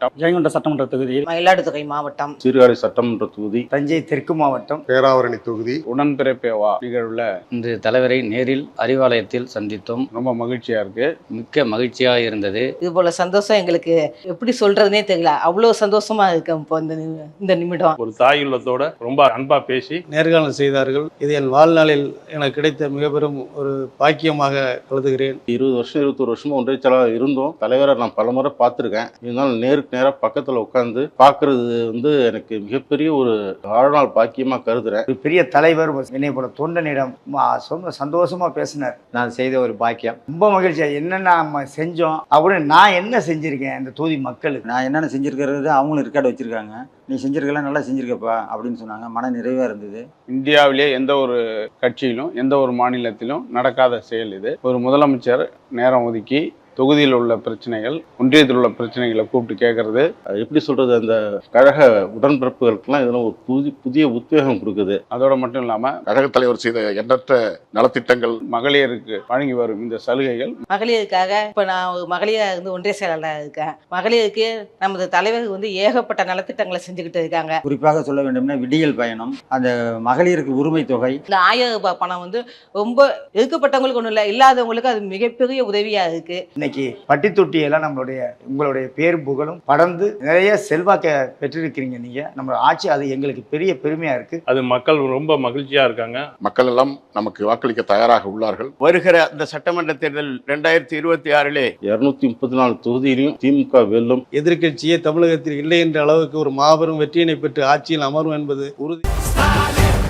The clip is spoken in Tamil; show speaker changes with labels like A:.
A: மாவட்டம், ஜெயங்கொண்ட சட்டமன்ற தொகுதியில்
B: மயிலாடுதுறை மாவட்டம்,
C: சீர்காழி சட்டமன்ற தொகுதி,
D: தஞ்சை தெற்கு மாவட்டம்,
E: பேராவரணி தொகுதி
A: உடன்பிறப்பேவா நிகழ்வுல
F: இன்று தலைவரை நேரில் அறிவாலயத்தில் சந்தித்தோம்.
A: ரொம்ப மகிழ்ச்சியா இருக்கு.
F: மிக்க மகிழ்ச்சியாக இருந்தது.
B: இது போல சந்தோஷம் எங்களுக்கு எப்படி சொல்றதுனே தெரியல. அவ்வளோ சந்தோஷமா இருக்கு இப்போ இந்த நிமிடம்.
G: ஒரு தாய் உள்ளத்தோட ரொம்ப அன்பா பேசி
H: நேர்காணல் செய்தார்கள். இது என் வாழ்நாளில் எனக்கு கிடைத்த மிக பெரும் ஒரு பாக்கியமாக கருதுகிறேன்.
C: 20 வருஷம் 21 வருஷமா ஒன்றிய செயலாளர் இருந்தோம். தலைவரை நான் பலமுறை பார்த்துருக்கேன். இருந்தாலும் நேருக்கு நேராக பக்கத்தில் உட்காந்து பார்க்கறது எனக்கு மிகப்பெரிய ஒரு வாழ்நாள் பாக்கியமா கருதுறேன்.
D: ஒரு பெரிய தலைவர் என்னை போல தொண்டனிடம் சந்தோஷமா பேசினார்.
I: நான் செய்த ஒரு பாக்கியம்.
D: ரொம்ப மகிழ்ச்சியா என்னென்ன நம்ம செஞ்சோம் அப்படின்னு நான் என்ன செஞ்சிருக்கேன் இந்த தொகுதி மக்களுக்கு.
I: நான் என்னென்ன செஞ்சுருக்கிறது அவங்களும் ரெக்கார்டு வச்சுருக்காங்க. நீ செஞ்சுருக்கலாம், நல்லா செஞ்சுருக்கப்பா அப்படின்னு சொன்னாங்க. மன நிறைவாக இருந்தது.
A: இந்தியாவிலே எந்த ஒரு கட்சியிலும் எந்த ஒரு மாநிலத்திலும் நடக்காத செயல் இது. ஒரு முதலமைச்சர் நேரம் ஒதுக்கி தொகுதியில் உள்ள பிரச்சனைகள், ஒன்றியத்தில் உள்ள பிரச்சனைகளை கூப்பிட்டு கேட்கறது,
C: எப்படி சொல்றது, அந்த கழக உடன்பிறப்புகளுக்கெல்லாம் இதெல்லாம் ஒரு புதிய உத்வேகம் கொடுக்குது.
A: அதோட மட்டும் இல்லாம
E: கழக தலைவர் செய்த எண்ணற்ற நலத்திட்டங்கள்,
A: மகளிருக்கு வழங்கி வரும் இந்த சலுகைகள்,
B: மகளிருக்காக இப்போ நான் ஒரு மகளிராக இருந்து ஒன்றிய செயலாளராக இருக்கேன். மகளிருக்கு நமது தலைவர் ஏகப்பட்ட நலத்திட்டங்களை செஞ்சுக்கிட்டு இருக்காங்க.
I: குறிப்பாக சொல்ல வேண்டும்னா விடியல் பயணம், அந்த மகளிருக்கு உரிமை தொகை,
B: இந்த 1000 ரூபாய் பணம் ரொம்ப இருக்கப்பட்டவங்களுக்கு ஒன்றும் இல்லை, இல்லாதவங்களுக்கு அது மிகப்பெரிய உதவியாக இருக்கு.
D: இன்னைக்கு பட்டி தொட்டியெல்லாம் உங்களுடைய பேர் புகழும் படர்ந்து நிறைய செல்வாக்க பெற்றிருக்கிறீங்க நீங்க. நம்ம ஆட்சி அது எங்களுக்கு பெரிய பெருமையா இருக்கு.
G: அது மக்கள் ரொம்ப மகிழ்ச்சியா இருக்காங்க.
E: மக்கள் எல்லாம் நமக்கு வாக்களிக்க தயாராக உள்ளார்கள்.
J: வருகிற அந்த சட்டமன்ற தேர்தல் 2026
C: 234 தொகுதியிலையும் திமுக வெல்லும்.
H: எதிர்க்கட்சியே தமிழகத்தில் இல்லை என்ற அளவுக்கு ஒரு மாபெரும் வெற்றியினை பெற்று ஆட்சியில் அமரும் என்பது உறுதி.